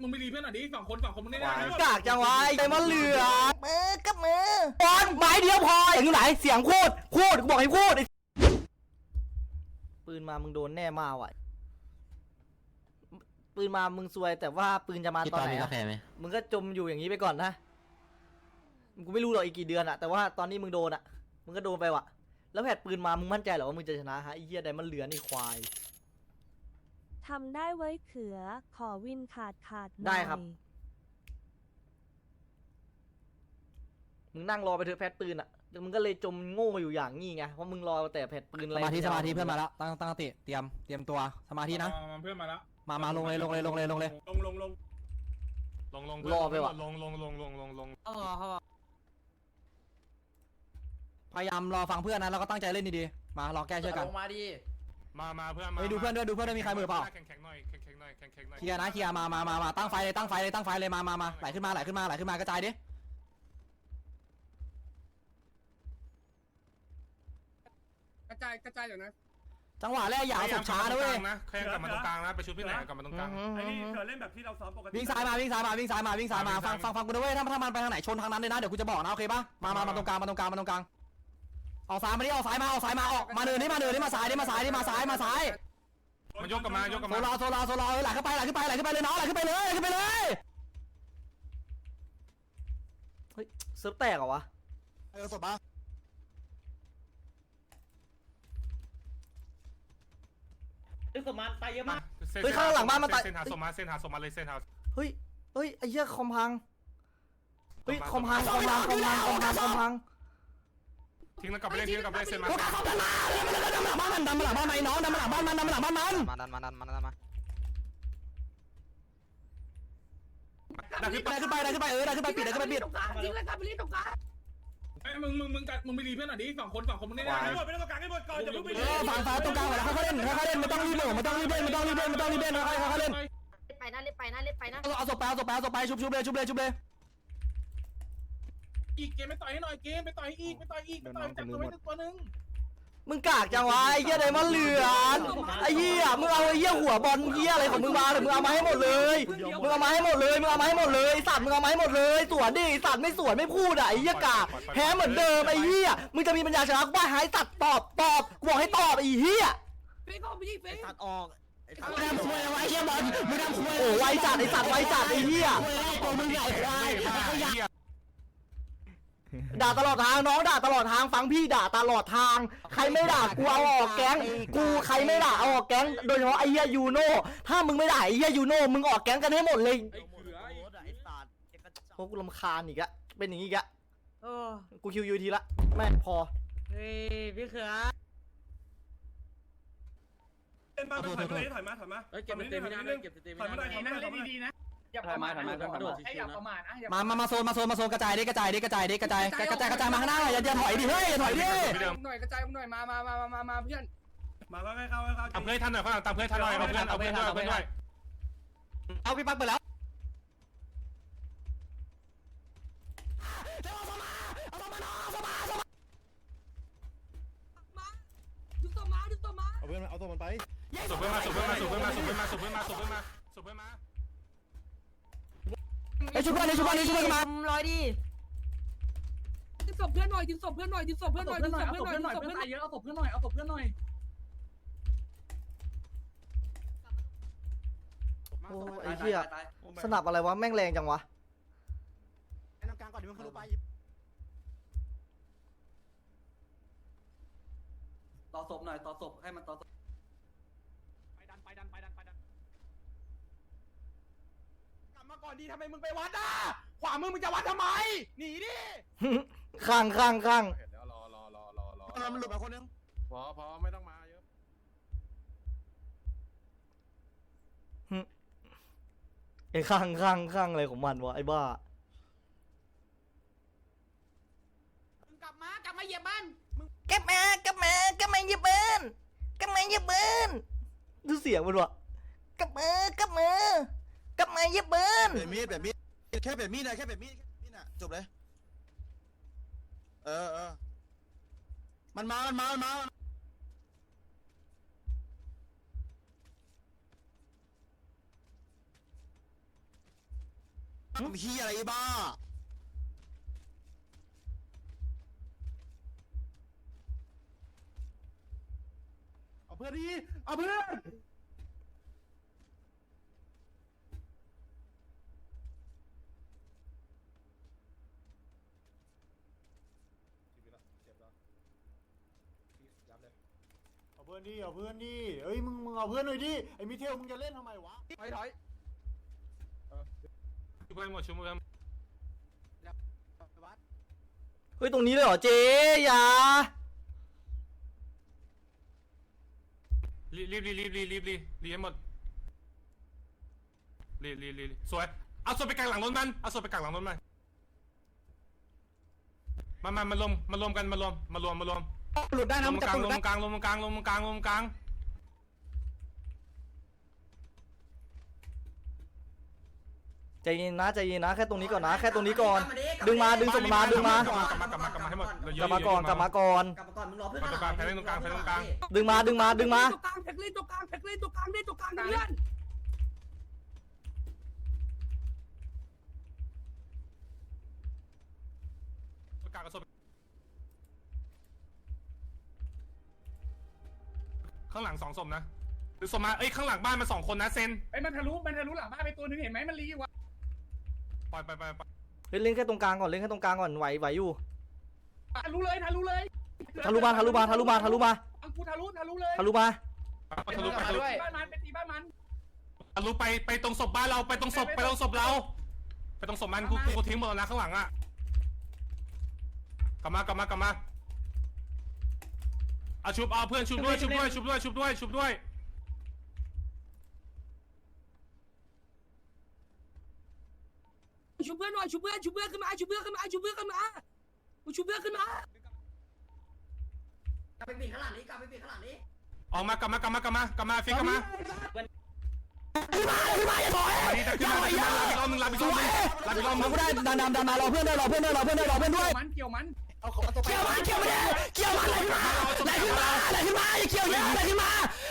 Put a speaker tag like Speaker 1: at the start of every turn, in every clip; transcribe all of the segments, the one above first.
Speaker 1: มึงไม่รีเพื่อนหน่อยดิฝั่งคนมึงได้
Speaker 2: กากจังวะไอ้มันเหลือมือกับมือบอลไม้เดียวพอเสียงอยู่ไหนเสียงพูดกูบอกให้พูดปืนมามึงโดนแน่มาว่ะปืนมามึงซวยแต่ว่าปืนจะมาตอนไหนมึงก็จมอยู่อย่างนี้ไปก่อนนะกูไม่รู้หรอกอีกกี่เดือนอะแต่ว่าตอนนี้มึงโดนอะมึงก็โดนไปว่ะแล้วแผดปืนมามึงมั่นใจเหรอว่ามึงจะชนะฮะไอ้เหี้ยใดมันเหลือนี่ควาย
Speaker 3: ทำได้ไว้เขือขอวินขาด
Speaker 2: ได้ครับมึงนั่งรอไปเถอะแผดปืนอะมึงก็เลยจมโง่อยู่อย่างงี้ไงเพราะมึงรอแต่แผดปืนอะไร
Speaker 4: สมาธิเพื่อนมาแล้วตั้งสติเตรียมตัวสมาธินะ
Speaker 1: เพื่อนมาแล้ว
Speaker 4: มาลงเลย
Speaker 2: รอไปว่ะ
Speaker 4: พยายามรอฟังเพื่อนนะแล้วก็ตั้งใจเล่นดีๆมารอแก้ช่วยกัน
Speaker 5: มาดิ
Speaker 4: มาเพื่อนมาดูเพื่อนด้วยมีใครมือเปล่าแข่งหน่อยเคลียร์นะเคลียร์มาตั้งไฟเลยมาไหลขึ้นมากระจายดิ
Speaker 5: กระจายอยู่นะ
Speaker 4: จังหวะแรกอย่าเอาศพช้านะเว้ย
Speaker 6: แค่กลับมาตรงกลางนะไปชุดพี่ไหนกลับมาตรงกลาง
Speaker 1: ไอ้นี่เธอเล่นแบบที่เราซ้อมปกติ
Speaker 4: วิ่งซ้ายมาฟังกูนะเว้ยถ้ามันไปทางไหนชนทางนั้นเลยนะเดี๋ยวกูจะบอกนะโอเคปะมาตรงกลางออกซ้ายมาดิออกซ้ายมาออกมาเนินนี่มาซ้าย
Speaker 6: มันยกกลับมา
Speaker 4: โซลาไหลขึ้นไปเลยน้องไหลขึ้นไปเลย
Speaker 2: เฮ้ยเซิร์ฟแตกเหรอวะ
Speaker 4: ศพมา
Speaker 5: สมานตายเยอะมาก
Speaker 2: เฮ้ยข้างหลังบ้านมันตาย
Speaker 6: เส้นหาสมมาเลยเส้นหา
Speaker 2: เฮ้ยไอ้เหี้ยคอมพังเฮ้ยคอมพัง
Speaker 6: ทิ้งแล้วกลับไปเล่นเส้นมา
Speaker 4: บ้านมันดำมาหลังบ้านไหนน้องดำมาหลังบ้านมันมาได้ขึ้นไปปิด
Speaker 5: ทิ้งเลยครับไปรีบตรงกลาง
Speaker 1: มึงไม่รีเพื่อนหน่อยดิฝั่งคนมึงได้ไปตรงกลางให้หมดก่อนอย่าเพิ่งไป
Speaker 4: ฝั่งฟ้าตรงกลางเขาเล่นไม่ต้องรีบเล่นค่อยเล่น
Speaker 5: ไปนะ
Speaker 4: เอาศพไปชุบเลย
Speaker 1: อีกเกมไปต่อยให้หน่อยเกมไปต่อยอีกจับตัวไว้ตัวนึง
Speaker 2: มึงกากจังวะไอ้เหี้ยไดมอนด์เหลือไอ้เหี้ยมึงเอาไอ้เหี้ยหัวบอลเหี้ยอะไรของมึงมาเลยมึงเอามาให้หมดเลยไอ้สัตว์มึงเอามาให้หมดเลยสวนดิไอ้สัตว์ไม่สวนไม่พูดอ่ะไอ้เหี้ยกากแพ้เหมือนเดิมไอ้เหี้ยมึงจะมีปัญญาชนะกูว่าหายสัตว์ตอบกูบอกให้ตอบไอ้เหี้ย
Speaker 5: ตัดออก
Speaker 4: มึงทำควยไว้เชี่ยบอลมึงทำควย
Speaker 2: โอ้ไวจัดไอ้สัตว์ไอ้เหี้ย
Speaker 4: ตัวมึงใหญ่ควาย
Speaker 2: ด่าตลอดทางน้องด่าตลอดทางฟังพี่ด่าตลอดทางใครไม่ด่ากูเอาออกแก๊งใครไม่ด่าเอาออกแก๊งโดยเฉพาะไอ้เหี้ยยูโน่ถ้ามึงไม่ด่าไอ้เหี้ยยูโน่มึงออกแก๊งกันให้หมดเลยโอ้กูรำคาญอีกอะเป็นอย่างนี้อีกอะกูคิวยูทีละแม่พอ
Speaker 5: เฮ้ยพี่เขือ
Speaker 1: เล่นมาถอยมา
Speaker 5: เก็บเต็มไม่ได้
Speaker 1: ถอยมาได้ดีๆนะ
Speaker 5: อย่าประมาท
Speaker 4: มาโซนกระจายกระจายมาข้างหน้าอย่าถอยดิเฮ้ยอย่าถอยดิ
Speaker 5: หน่อยกระจายหน่อยมาเพื่อน
Speaker 1: มาก็เข้า
Speaker 6: ตามเพื่อนทันหน่อยข้างหลังตามเพื่อนทันหน่อยเอาเพื่อนด้วย
Speaker 4: เอาพี่ปักไปแล้ว
Speaker 6: เอาตัวมันไปสุบเพื่อนมา
Speaker 4: ไอ้ชุบเพื่อนมา
Speaker 5: ลอยดิดึงศพเพื่อนหน่อยเอาศพเพื่อนหน่อยเอาศพเพื่อนหน่อย
Speaker 2: โอ้ไอ้เหี้ยสนับอะไรวะแม่งแรงจังวะ
Speaker 4: ไอ้น้ำกลางก่อนดิมึงเข้าไป
Speaker 5: ต่อศพหน่อยต่อศพให้มันต่อ
Speaker 4: ไปดันกลับมาก่อนดีทำไมมึงไปวัดอ่ะขวามึงจะวัดทำไมหนีดิ
Speaker 2: ข้าง
Speaker 6: เดี๋ยวรอ
Speaker 4: มันหลุดมาคนนึง
Speaker 6: พอไม่ต้องมาเยอะ
Speaker 2: ไอ้ข้างอะไรของมันวะไอ้บ้ากลับมาเหยียบบ้านกลับมาเหยียบบ้านดูเสียงมันวะกลับมาเหยียบบ้าน
Speaker 4: แบบมีดแค่แบบมีดน่ะจบเลยมันมา
Speaker 7: เฮียอะไรบ้า
Speaker 1: เอาเพื่อนดิเอาเพื่อนเอาเพื่อนดิเอาเพื่อนดิเอ้ยมึงเอาเพื่อนหน่อยดิไอ้มิเทลมึงจะเล่นทำไมวะ
Speaker 6: ชุบเพื่อนหมดชุบเพื่อน
Speaker 2: เฮ้ยตรงนี้เลยเหรอเจ๊อย่า
Speaker 6: รีบให้หมดรีสวยเอาศพไปกลางหลังรถมันเอาศพไปกลางหลังรถมันมารวมกันมารวม
Speaker 4: หลุดได้นะ
Speaker 6: ล
Speaker 4: มั
Speaker 6: ง
Speaker 4: นจะ
Speaker 6: กลาง
Speaker 4: หลุด
Speaker 6: ล
Speaker 4: ได้
Speaker 6: งกลางลงกลางลงกลางลงกลาง
Speaker 2: ใจเย็นนะใจเย็นนะแค่ตรงนี้ก่อนนะแค่ตรงนี้ก่อนดึงมาดึงศพมากลับมาก
Speaker 6: ลับมาให้หมด
Speaker 2: กลับมาก่อนกลับมาก่อน
Speaker 8: มึงรอเพื่อน
Speaker 6: ตรงกลางแพ้ตรงกลางแพ้ตรงกลาง
Speaker 2: ดึงมา
Speaker 5: ตัวกลางแท็กเล่นตัวกลางแท็กเล่นตัวกลางเล่นตัวกลางเพื่อน
Speaker 6: ตรงกลางกระสอบข้างหลัง2ศพนะหรือศพมาเอ้ยข้างหลังบ้านมา2คนนะเซน
Speaker 1: ไอ้มันทะลุหลังบ้านไปตัวนึงเห็นไหมมันรีวะ
Speaker 6: ปล่อยไป
Speaker 2: เล่นแค่ตรงกลางก่อนเล่นแค่ตรงกลางก่อนไหวอยู่
Speaker 1: ทะลุเลย
Speaker 2: ทะลุมา
Speaker 1: เอากูทะลุเลย
Speaker 2: ทะลุมา
Speaker 6: ทะลุไป
Speaker 1: บ้านมันไปตีบ้านมัน
Speaker 6: ทะลุไปตรงศพบ้านเราไปตรงศพเราไปตรงศพมันกูทิ้งหมดแล้วนะข้างหลังอ่ะกลับมาเอาชุบเอาเพื่อนชุบด้วย
Speaker 5: ชุบเพื่อนหน่อยชุบเพื่อนขึ้นมาชุบเพื่อนขึ้นมา
Speaker 8: กลับไปปิดข้างหลังนี้
Speaker 6: ออกมากลับมาฟิกกลับมาดีจะขึ้นมาลาบิซอมมึง
Speaker 4: กูได้ดันมารอเพื่อนด้วย
Speaker 1: เกี่ยวมัน
Speaker 4: เกี่ยวมันอะไรขึ้นมาอย่าเกี่ยวเยอะอะไรขึ้นมา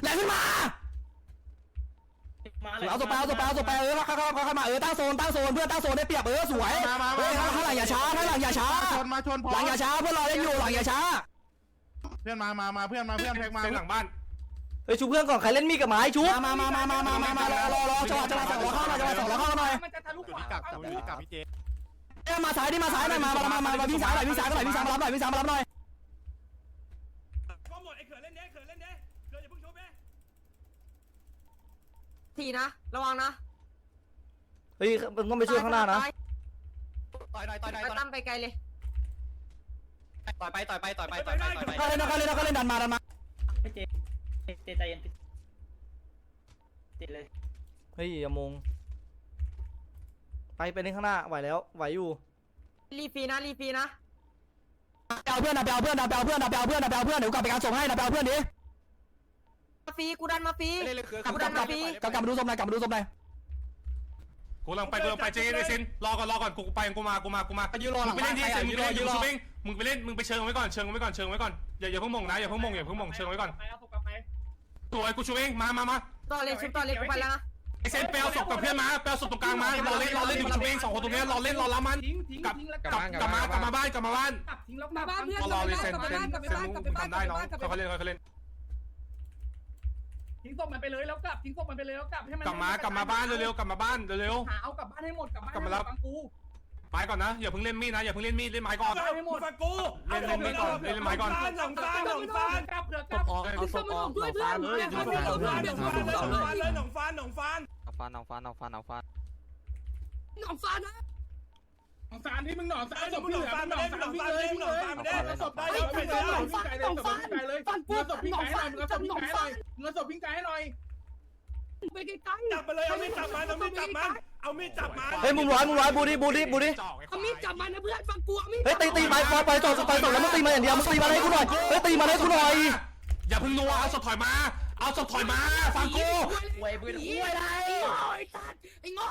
Speaker 4: เอาตัวไปเข้ามาตั้งโซนเพื่อนตั้งโซนได้เปรียบสวยข้างหลังอย่าช้าหลังอย่าช้าเพื่อนรอเล่นอยู่หลังอย่าช้า
Speaker 6: เพื่อนมาเพื่อนแพ็กมาหลังบ้าน
Speaker 2: เฮ้ยชูเพื่อนก่อนใครเล่นมีดกับไม้ชู
Speaker 4: มารอจังหวะ2ล้อเข้าหน่อย
Speaker 1: มันจะทะลุขวา
Speaker 4: มาซ้ายดิมาวิ่งซ้ายมารับหน่อย
Speaker 1: ก็หมดไอ้เขื่อนเล่นเด้เขื่อนอย่าเพิ่งชุบเด้
Speaker 8: ทีนะระวังนะ
Speaker 2: เฮ้ยมึงต้องไปช่วยข้างหน้านะ
Speaker 4: ต่อย
Speaker 8: ไปตั้มไปไกลเลย
Speaker 4: ไปเขาเล่นดันมา
Speaker 5: ใจเย็นติดเลย
Speaker 2: เฮ้ยอย่ามงไปเล่นข้างหน้าไหวแล้วไหวอยู่
Speaker 8: รีฟีนะ
Speaker 4: เอาเพื่อนเดี๋ยวกลับไปการส่งให้เพื่อนดิ
Speaker 8: มาฟรีกูดันมาฟรี
Speaker 4: กลับมาดูศพหน่อย
Speaker 6: กูกำลังไปเจนเซนรอก่อนกูมา
Speaker 4: ยืนรอหลัง
Speaker 6: ไปเล่นที่เซนมึงไปเล่นมึงไปเชิงไว้ก่อนอย่าเพิ่งมงนะอย่าเพิ่งมงเชิงไว้ก่อน
Speaker 1: ไปเอาศพกลับไป
Speaker 6: ตัวไอ้กูชูเองมา
Speaker 8: ต่อเลยชุบต่อเลยกูไปแล้วนะ
Speaker 6: ไอเซนไปเอาศพกับเพื่อนมาไปเอาศพตรงกลางมารอเล่นอยู่ชูเอง2คนตรงนี้รอเล่นรอล้ามัน
Speaker 1: ทิ้งแล้ว
Speaker 6: กลับมาบ้าน
Speaker 1: ทิ้งแล้ว
Speaker 5: มาบ้านเพื่อน
Speaker 6: รอเลยเซนมึงทำได้น้องเขาเล่น
Speaker 1: ทิ้งศพมันไปเลยแล้วกลับทิ้งศพมันไปเลยแล้วกลับให้มัน
Speaker 6: กลับมาบ้านเร็วกลับมาบ้านเร็ว
Speaker 1: หาเอากลับบ้านให้หมดฟังกู
Speaker 6: ไม้ก่อนนะอย่าเพิ่งเล่นมีดนะอย่าเพิ่งเล่นมีดเล่นไม้ก่อน
Speaker 1: ให้หมดฟังกู
Speaker 6: เล่นมีดก่อนเล่นไม้ก่อน
Speaker 1: หลงฟานกลับเผื่อกลับ
Speaker 5: เอาศพออกด้วยเพื่อน
Speaker 1: หนองฟาน
Speaker 5: หนองฟ้านะ
Speaker 1: หนองฟานที่มึงหนองฟานมึงหนองฟานวิ่งเลยศพได้แล้วไปเลยศพพิงไก่เลยเงินศพพิงไก่ให้หน่อย
Speaker 5: ไปไกลๆ
Speaker 1: จับไปเลยเอามีดจับมัน
Speaker 2: เฮ้ยมึงร้อยบูดิ
Speaker 5: เอามีดจับมันนะเพื่อนฟังกูเอามีด
Speaker 2: เฮ้ยตีไปจอดแล้วมึงตีมาอย่างเดียวมึงตีมาให้กูหน่อยเฮ้ยตีมาให้กูหน่อย
Speaker 6: อย่าเพิ่งนัวเอาศพถอยมาฟังกู
Speaker 5: ไอ้ปืนไอ้ไรไอ้สัตว์ไอ้งอ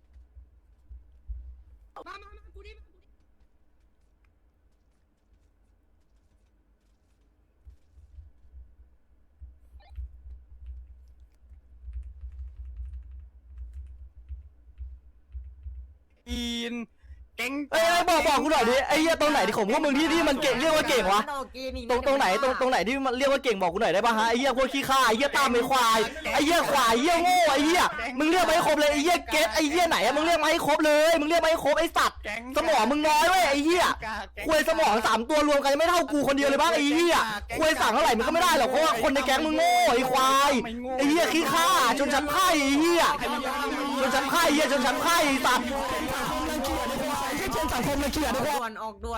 Speaker 5: มากูดิ
Speaker 4: นเก่ง
Speaker 2: เอ้ยบอกกูหน่อยดิไอ้เหี้ยตรงไหนที่ของพวกมึงที่มันเก่งเรียกว่าเก่งวะตรงไหนตรงไหนที่มันเรียกว่าเก่งบอกกูหน่อยได้ป่ะฮะไอ้เหี้ยพวกขี้ข้าไอ้เหี้ยตามไอ้ควายไอ้เหี้ยควายเหี้ยโง่ไอ้เหี้ยมึงเรียกมาให้ครบเลยไอ้เหี้ยเกตไอ้เหี้ยไหนอะมึงเรียกมาให้ครบเลยมึงเรียกมาให้ครบไอ้สัตว์สมองมึงน้อยเว้ยไอ้เหี้ยควยสมอง3ตัวรวมกันไม่เท่ากูคนเดียวเลยบ้างไอ้เหี้ยควยสั่งเท่าไหร่มึงก็ไม่ได้หรอกเพราะว่าคนในแก๊งมึงโง่ไอ้ควายไอ้เหี้ยขี้ข้าจนชั้นไพ่ไอ้เหี้ยจนชั้นไพ่เหี้ยจนชั้นไพ่สัตว์
Speaker 8: สังคมเลยเขียนด่วนออกด่วน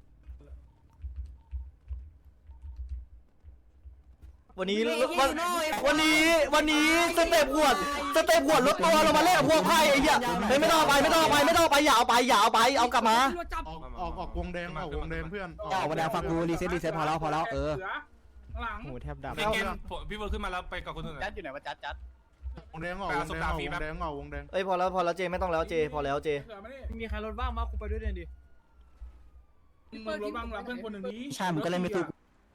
Speaker 2: วันนี้สเต็ปหวดลดตัวเรามาเล่นกับพวกไพ่ไอ้เหี้ยไม่ต้องไปอย่าเอาไปเอากลับมา
Speaker 7: ออกวงแดงเพื่อน
Speaker 4: ออกมาแดงฟังกูรีเซ็ตพอแล้วเออ
Speaker 1: หลัง
Speaker 7: หูแทบดับ
Speaker 6: เกมพี่เวิร์ขึ้นมาแล้วไปกับคนอื่น
Speaker 7: จัดอยู่ไหนวะจัดวงแดงออกวงแดง
Speaker 2: เอ้ยพอแล้วเจไม่ต้องแล้วเจพอแล้วเจ
Speaker 1: เสือมาดิ
Speaker 7: มีใครรถบ้างมากูไปด้วยเนี่ยดิ
Speaker 1: มึงรถบ้างรับเพื่อนคนหนึ่งนี้
Speaker 4: ใช่มึงก็เล่นไม่ถูก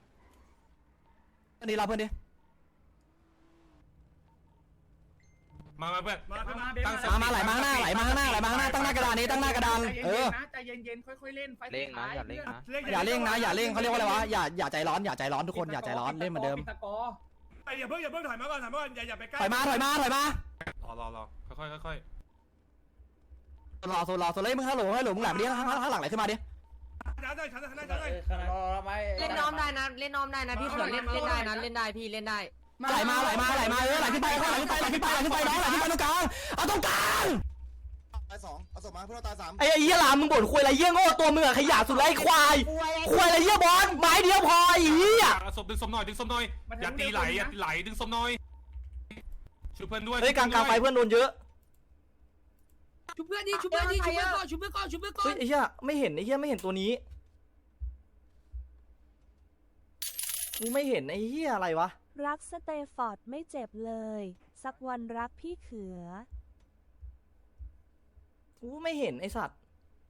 Speaker 4: อันนี้เราเพื่อนดิ
Speaker 6: มาเพื่อน
Speaker 4: มาไหลมาข้างหน้าตั้งหน้ากระดานนี้ตั้งหน้ากระดาน
Speaker 1: ใจเย็นๆค่อยๆเล่นไฟ
Speaker 4: เร่งนะอย่าเร่งเขาเรียกว่าอะไรวะอย่าใจร้อนทุกคนอย่าใจร้อนเล่นเหมือนเดิม
Speaker 6: อย่าเพิ่งถอยมาก่อนอย่าไปใกล้
Speaker 4: ถอยมารอ
Speaker 6: ค่อย
Speaker 4: รอเลยมึงฮัลโหลมึงไหลมาดิข้างหลังไหลขึ้นมาดิ
Speaker 8: เล่นน้อมได้นะพี่เสือเล่นได้นะเล่นได้พี่เล่นได้
Speaker 4: ไหลมาไหลขึ้นไปน้องไหลขึ้นไปตรงกลางเอาตรงกลาง
Speaker 7: ตาย2เอาศพมาเพื่อนเราตาย3
Speaker 2: ไอ้เหี้ยหลามมึงบ่นคุยอะไรเหี้ยโง่ตัวมึงอะขยะสุดไรควายอะไรเหี้ยบอลไม้เดียวพอไอ้เหี้ย
Speaker 6: ศพดึงศพหน่อยอย่าตีไหลดึงศพหน่อยช่วยเพื่อนด้วย
Speaker 2: เฮ้ยกลางไฟเพื่อนโดนเยอะ
Speaker 5: ชุบเพื่อนก่อนชุบเพื่อนก่อน
Speaker 2: เฮ้ยไอ้เหี้ยไม่เห็นตัวนี้กูไม่เห็นไอ้เหี้ยอะไรวะ
Speaker 3: รักสเตฟอร์ดไม่เจ็บเลย สักวันรักพี่เขือ
Speaker 2: กูไม่เห็นไอ้สัตว์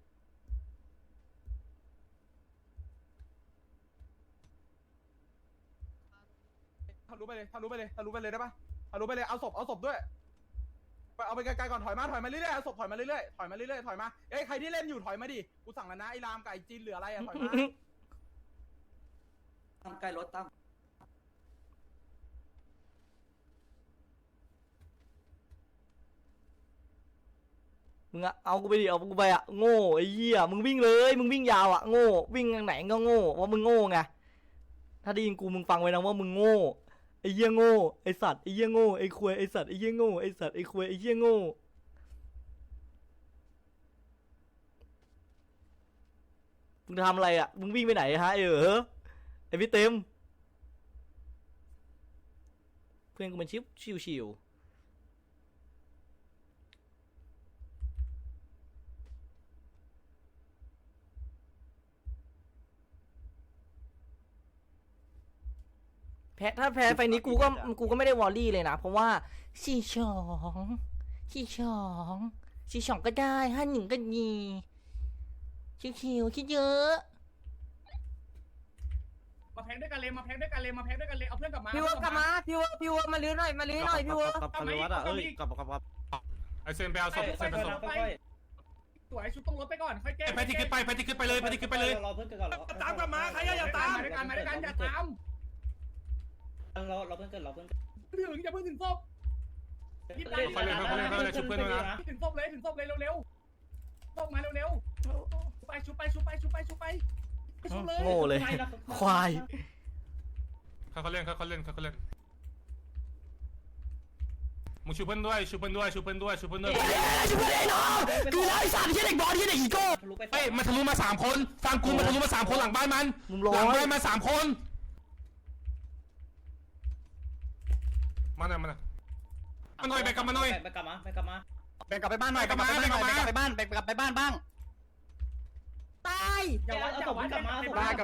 Speaker 1: ทะลุไปเลยได้ปะทะลุไปเลยเอาศพด้วยเอาไปไกลๆก่อนถอยมาเรื่อยๆเอาศพถอยมาเรื่อยๆถอยมาเอ้ยใครที่เล่นอยู่ถอยมาดิกูสั่งแล้วนะไอ้รามกับไอ้จีนเหลืออะไรอะถอยมา
Speaker 8: ใกล้รถตั้ม
Speaker 2: มึงอะเอากูไปดิเอากูไปอะโง่ไอ้เหี้ยมึงวิ่งเลยมึงวิ่งยาวอะโง่วิ่งทางไหนก็โง่ว่ามึงโง่ไงถ้าได้ยินกูมึงฟังไว้นะว่ามึงโง่ไอ้เหี้ยโง่ไอ้สัตว์ไอ้เหี้ยโง่ไอ้ควยไอ้สัตว์ไอ้เหี้ยโง่ไอ้สัตว์ไอ้ควยไอ้เหี้ยโง่มึงทำอะไรอะมึงวิ่งไปไหนฮะไอ้พี่เต็มเพื่อนกูมันชิวถ้าแพ้ไฟนี้กูก็ไม่ได้วอลลี่เลยนะเพราะว่า42ก็ได้51ก็ดีชิวคิดเยอะ
Speaker 1: มาแพ็กด้วยกันเลยเอาเพื่อนกลับมา
Speaker 8: พี่วัวกลับมาพี่วัวมาลื้อหน่อยพี่วัว
Speaker 7: กับวัดอ่ะกับ
Speaker 6: ไอเซนไปเอาศพเซนไปศพ
Speaker 1: สวยชุดต้องรถไปก่อนค่อยแก้
Speaker 6: แพทที่ขึ้นไปเลยตามกลับมาใครอย่าตาม
Speaker 1: มาด้วยกันอย่าตาม
Speaker 9: เราเพิ่งเกิด
Speaker 1: อย่าเพิ่งถึงศพ
Speaker 6: เขาเล่นชุบเพื่อนด้วยนะ
Speaker 1: ถึงศพเลยเร็วศพมาเร็วชุบไป
Speaker 2: โง่เลยควาย
Speaker 6: เขาเล่นมึงชุบเพื่อนด้วย
Speaker 4: ชุบเพื่อนไอ้น้องกูแล้วไอ้สัตว์ที่เด็กบอลที่เด็กอีโก้
Speaker 6: เฮ้ยมันทะลุมา3 คนฟังกูมันทะลุมา3 คนหลังบ้านมันหลังบ้านมา3 คนมาหน่อยไปกลับมาหน่อย
Speaker 9: ไปกลับมา
Speaker 4: แบ่งกลับไปบ้านหน่อยแบ่งกลับไปบ้านบ้าง
Speaker 8: ตาย
Speaker 1: อย่าวัดกลับบ้านเรา
Speaker 4: กลับบ้าน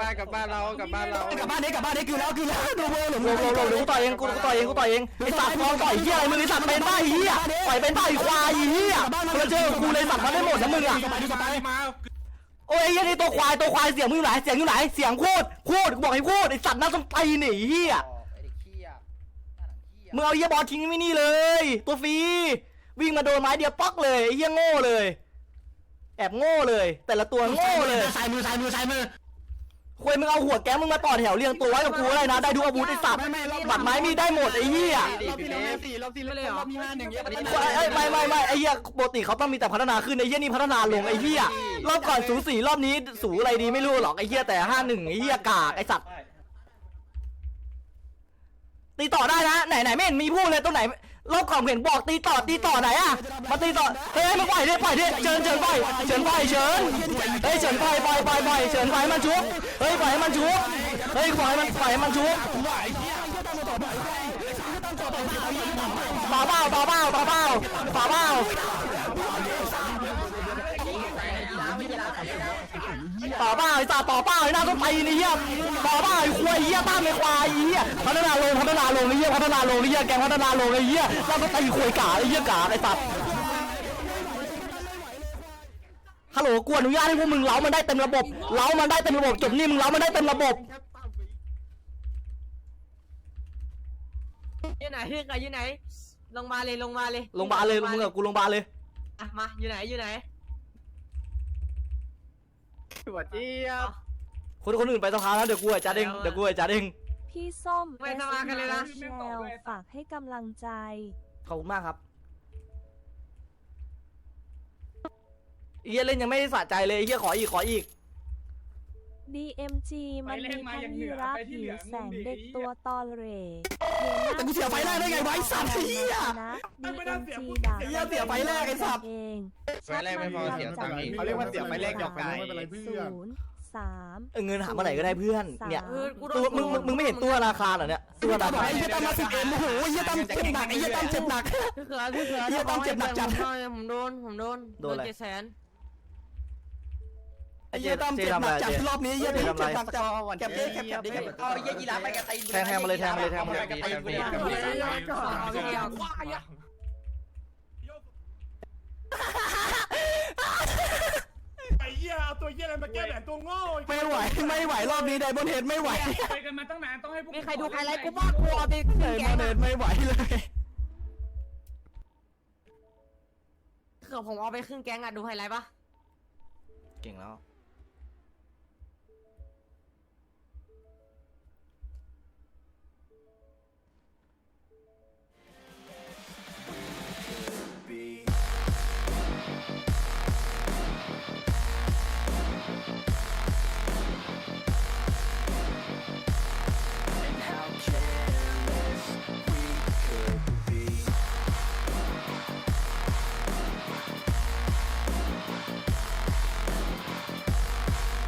Speaker 4: นี้คือแล้วดูโบหลง
Speaker 2: กูต่อยเองไอ้สัตว์มองต่อยเหี้ยอะไรมึงไอ้สัตว์เป็นบ้าเหี้ยต่อยเป็นบ้าควายเหี้ยเราเจอกูเลยสัตว์มันได้หมดนะมึงอ่ะโอ้ยไอ้เหี้ยนี่ตัวควายเสียงมึงอยู่ไหนเสียงอยู่ไหนเสียงพูดกูบอกให้พูดไอ้สัตว์น่าสงสัยหนีเหี้ยมึงเอาเหี้ยบอลทิ้งไม่นี่เลยตัวฟรีวิ่งมาโดนไม้เดียวป๊อกเลยไอ้เหี้ยโง่เลยแอบโง่เลย แต่ละตัวโง่เลย
Speaker 4: ซ้ายมือซ้ายมือซ้ายมือ
Speaker 2: ควยมึงเอาหัวแก๊งมึงมาต่อแถวเรียงตัวไว้กับกูอะไรนะได้ทุกอาวุธไอ้สัตว์บัตรไม้มีได้หมดไอ้เหี้ย
Speaker 4: รอบที่แล้ว4รอบที่แล้วรอบที่5 1เงี้ย
Speaker 2: ไม่ไอ้เหี้ยปกติเขาต้องมีแต่พัฒนาขึ้นไอ้เหี้ยนี่พัฒนาลงไอ้เหี้ยรอบก่อนสู4รอบนี้สูอะไรดีไม่รู้หรอกไอ้เหี้ยแต่51ไอ้เหี้ยกากไอ้สัตว์ตีต่อได้นะไหนไม่เห็นมีพูดเลยตรงไหนรอบก่อนเห็นบอกตีต่อไหนอะมาตีต่อเฮ้ยมาปล่อยดิเชิญปล่อยเฮ้ยเฉินปล่อยเฉินปล่อยมันชุบเฮ้ยปล่อยให้มันชุบเฮ้ยปล่อยให้มันชุบป่าเบ้าไอ้ตาป่าเบ้าไอ้หน้าต้องตีนี่เหี้ยป่าเบ้าไอ้ควายเหี้ยตามไอ้ควายเหี้ยพัฒนาลงไอ้เหี้ยพัฒนาลงไอ้เหี้ยแกงพัฒนาลงไอ้เหี้ยหน้าต้องตีควายกาไอ้เหี้ยกาไอ้สัตว์ฮัลโหลกูอนุญาตให้พวกมึงเล้ามันได้เต็มระบบจบนี่มึงเล้ามันได้เต็มระบบ
Speaker 8: อยู่ไหนอยู่ไหนลงมาเลย
Speaker 2: โรงพยาบาลเลยมึงกับกูโรงพยาบาลเลย
Speaker 8: อ่ะมาอยู่ไหน
Speaker 4: หัวเจี๊ยบ
Speaker 2: คนอื่นไปสภาแล้วเดี๋ยวกูจัดเอง
Speaker 3: พี่ส้ม
Speaker 8: ไม่สมากันเลยนะ
Speaker 3: แชลฝากให้กำลังใจ
Speaker 2: ขอบคุณมากครับเฮียเล่นยังไม่ได้สะใจเลยเฮียขออีก
Speaker 3: DMG มันมีทั้งยีราฟหิวแสงเด็กตัวตอเหร่
Speaker 2: แต่กูเสียไฟแรกได้ไงวะไอ้สัตว์เฮีย
Speaker 3: นะ DMG ด่า
Speaker 2: เหี้ยเสียไฟแรกไอ้สัตว์
Speaker 3: เอง
Speaker 9: ไฟแรกไม่พอเสียตังค์อีก
Speaker 7: เขาเรียกว่าเสียไฟแรกหยอกกันไม่เป็นไรเพื่อน
Speaker 3: 0 3
Speaker 2: เงินหาเมื่อไหร่ก็ได้เพื่อนเนี่ย
Speaker 8: กูโด
Speaker 2: ตัวน มึงไม่เห็นตัวธนาคารเหรอเนี่ยตัวธนาคาร
Speaker 4: ไอ้เหี้ยตั้มมา10 โอ้โหไอ้เหี้ยตั้มเจ็บหนักไอ้เหี้ยตั้มเจ็บหนัก
Speaker 8: พี่เขือ
Speaker 4: เหี้ยต้องเจ็บหนักจัด
Speaker 8: ผมโดน700,000
Speaker 4: ไอ้เหี้ยตั้มเจ็บหนักจัดรอบนี้เหี้ยตั้มเจ็บหนักจัดแคปดิ
Speaker 9: เอาเยี่ยยีราฟไปกระตี
Speaker 2: แทงมาเลย
Speaker 7: ไอ้เหี้ยเอาตัวเหี้ยอะไรมาแก้แหวนตัวโง่
Speaker 4: ไม่ไหวรอบนี้ไดมอนเฮดไม่ไหว
Speaker 5: ไปกันมาตั้งนานต้องให้พวก
Speaker 8: มีใครดูใครไลฟ์กูบ้างกูเอาไป
Speaker 4: ไดมอนเฮดไม่ไหวเลย
Speaker 8: เขือผมเอาไปครึ่งแก๊งอ่ะดูไฮไลท์ปะ
Speaker 2: เก่งแล้ว